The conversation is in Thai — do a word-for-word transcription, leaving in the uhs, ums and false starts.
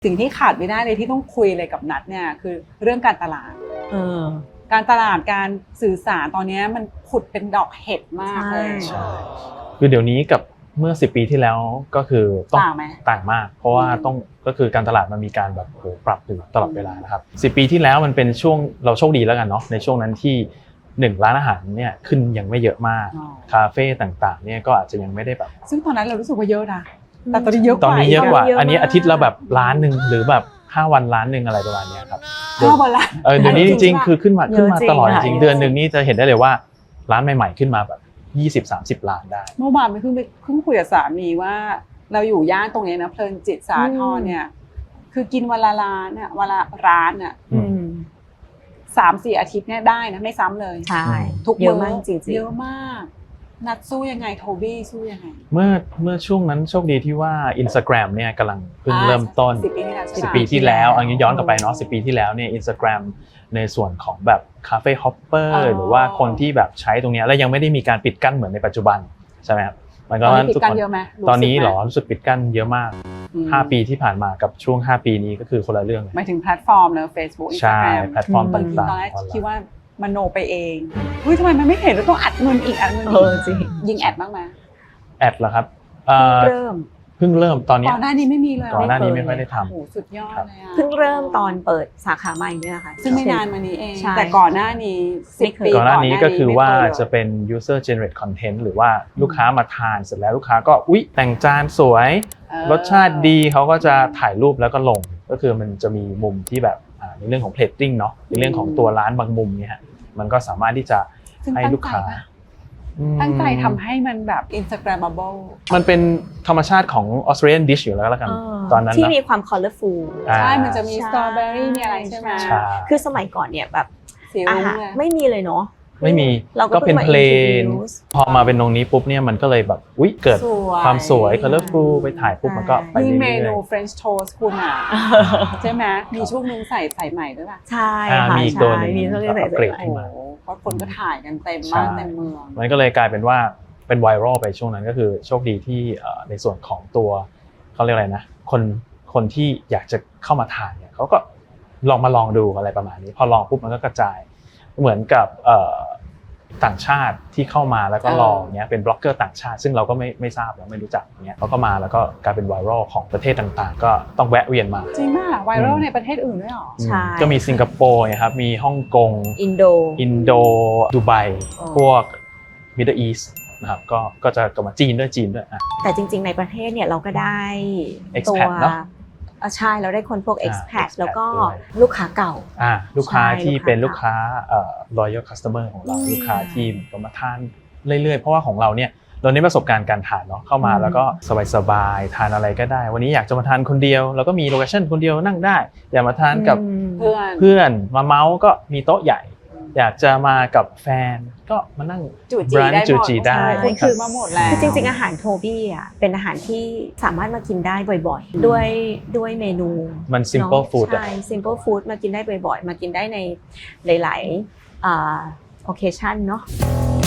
สิ่งที่ขาดไม่ได้เลยที่ต้องคุยเลยกับนัทเนี่ยคือเรื่องการตลาดเออการตลาดการสื่อสารตอนนี้มันผุดเป็นดอกเห็ดมากเลยใช่คือเดี๋ยวนี้กับเมื่อสิบปีที่แล้วก็คือต้องต่างไหมต่างมากเพราะว่าต้องก็คือการตลาดมันมีการแบบโหปรับอยู่ตลอดเวลานะครับสิบปีที่แล้วมันเป็นช่วงเราโชคดีแล้วกันเนาะในช่วงนั้นที่หนึ่งร้านอาหารเนี่ยขึ้นยังไม่เยอะมากคาเฟ่ต่างๆเนี่ยก็อาจจะยังไม่ได้แบบซึ่งตอนนั้นเรารู้สึกว่าเยอะนะแต่ตอนนี้เยอะกว่าตอนนี้เยอะกว่าเยอะมากอันนี้อาทิตย์ละแบบล้านนึงหรือแบบห้าวันล้านนึงอะไรประมาณนี้ครับห้าวันละเออเดี๋ยวนี้จริงๆคือขึ้นมาขึ้นมาตลอดจริงๆเยอะจริงเดือนนึงนี่จะเห็นได้เลยว่าร้านใหม่ๆขึ้นมาแบบยี่สิบ สามสิบล้านได้เมื่อวานไปเพิ่งไปเพิ่งคุยกับสามีว่าเราอยู่ย่านตรงนี้นะเพลินจิตสาทรเนี่ยคือกินวันละร้านเนี่ยวันละร้านเนี่ยอืมสามสี่อาทิตย์เนี่ยได้นะไม่ซ้ำเลยใช่ทุกเยอะมากจริงๆเยอะมากนัดสู้ยังไงโทบี้สู้ยังไงเมื่อเมื่อช่วงนั้นโชคดีที่ว่า Instagram เนี่ยกำลังเพิ่งเริ่มต้นสิบปีที่แล้วใช่ไหมสิบปีที่แล้วอันนี้ย้อนกลับไปเนาะสิบปีที่แล้วเนี่ย Instagram ในส่วนของแบบคาเฟ่ฮอปเปอร์หรือว่าคนที่แบบใช้ตรงนี้แล้วยังไม่ได้มีการปิดกั้นเหมือนในปัจจุบันใช่ไหมครับมันก็ปิดกั้นเยอะไหมตอนนี้หรอรู้สึกปิดกั้นเยอะมากห้าปีที่ผ่านมากับช่วงห้าปีนี้ก็คือคนละเรื่องหมายถึงแพลตฟอร์มเนอะ Facebook ใช่ Instagram แพลตฟอร์มบางทีต่างๆตอนแรกคิดว่ามโนไปเองเฮ้ยทำไมมันไม่เห็นแล้วต้องอัดเงินอีกอัดเงินเออีอก จริงยิงแอดบ้างไหมแอดเหรอครับเริ่มเพิ่งเริ่มตอนนี้ก่อนหน้านี้ไม่มีเลยก่อนหน้านี้ไม่ค่อยได้ทำโอ้โหสุดยอดเลยอะเพิ่งเริ่มตอนเปิดสาขาใหม่เนี่ยค่ะซึ่งไม่นานมานี้เองใช่แต่ก่อนหน้านี้สิบปีก่อนหน้านี้ก็คือว่าไม่เคยจะเป็น user generate content หรือว่าลูกค้ามาทานเสร็จแล้วลูกค้าก็อุ๊ยแต่งจานสวยเออรสชาติดีเขาก็จะถ่ายรูปแล้วก็ลงก็คือมันจะมีมุมที่แบบอ่าในเรื่องของ plating เนาะในเรื่องของตัวร้านบางมุมเนี่ยฮะมันก็สามารถที่จะซึ่งให้ตั้งลูกค้าใจปะอืมตั้งใจทำให้มันแบบ Instagrammable มันเป็นธรรมชาติของ Australian dish อยู่แล้วแล้วกันเออตอนนั้นที่นะมีความ colorful อ่าใช่ มันจะมีใช่สตรอเบอรี่มีอะไรใช่ไหมใช่คือสมัยก่อนเนี่ยแบบสีอารุ้งหารเลยไม่มีเลยเนาะไม่มีเราก็ก็เป็นเพิ่งมาเพลน introduce พอมาเป็นตรงนี้ปุ๊บเนี่ยมันก็เลยแบบอุ๊ยเกิดสวยความสวย colorful ไปถ่ายปุ๊บมันก็ไปยิ่งเรื่เมอยนูๆ French toast คุณอ่ะ ใช่ไหมมีช่วงนึงใส่ใส่ใหม่ด้วยป่ะใช่อ่าค่ะมีอีกตัวหนึ่งใช่มีตัวหนึงใส่อัปเกรดใส่ขึ้นโอ้มาโหเพราะคนก็ถ่ายกันเต็มใช่บ้านเต็มเมืองมันก็เลยกลายเป็นว่าเป็นไวรัลไปช่วงนั้นก็คือโชคดีที่เอ่อในส่วนของตัวเขาเรียกอะไรนะคนคนที่อยากจะเข้ามาทานเนี่ยเขาก็ลองมาลองดูอะไรประมาณนี้พอลองปุ๊บมันก็กระจายเหมือนกับเอ่อต่างชาติที่เข้ามาแล้วก็ลองเนี้ยเป็นบล็อกเกอร์ต่างชาติซึ่งเราก็ไม่ไม่ทราบเราไม่รู้จักเนี้ยเขาก็มาแล้วก็กลายเป็นไวรัลของประเทศต่างๆ ก็ต้องแวะเวียนมาจริงมากไวรัลในประเทศอื่นด้วยหรอใช่ก็มีสิงคโปร์นะครับมีฮ่องกงอินโดอินโดดูไบอ๋อพวกมิดเดิลอีสต์นะครับก็ก็จะกลับมาจีนด้วยจีนด้วยอ่ะแต่จริงๆในประเทศเนี่ยเราก็ได้ expat ตัวเนอะอ่ะใช่เราได้คนพวกอ่า expat expat แล้วก็ด้วยลูกค้าเก่าอ่าลูกค้าใช่ที่ลูกค้าเป็นลูกค้าเอ่อ loyal customer ของเราอืมลูกค้าที่ก็มาทานเรื่อยๆ เพราะว่าของเราเนี่ยเราได้ประสบการณ์การทานเนาะเข้ามาอืมแล้วก็สบายๆทานอะไรก็ได้ วันนี้อยากจะมาทานคนเดียวเราก็มีโลเคชั่นคนเดียวนั่งได้ อยากมาทานกับอืมเพื่อนเพื่อนมาเมาส์ก็มีโต๊ะใหญ่ อยากจะมากับแฟนก็มานั่งจูจี brunch ได้หมดจูจีได้คุณคือมาหมดแล้วคือจริงๆอาหารโทบี้อ่ะเป็นอาหารที่สามารถมากินได้บ่อยๆ ด้วยด้วยเมนูมัน simple เนอะ food อะใช่ simple food มากินได้บ่อยๆ มากินได้ในหลายๆอ่า occasion เนาะ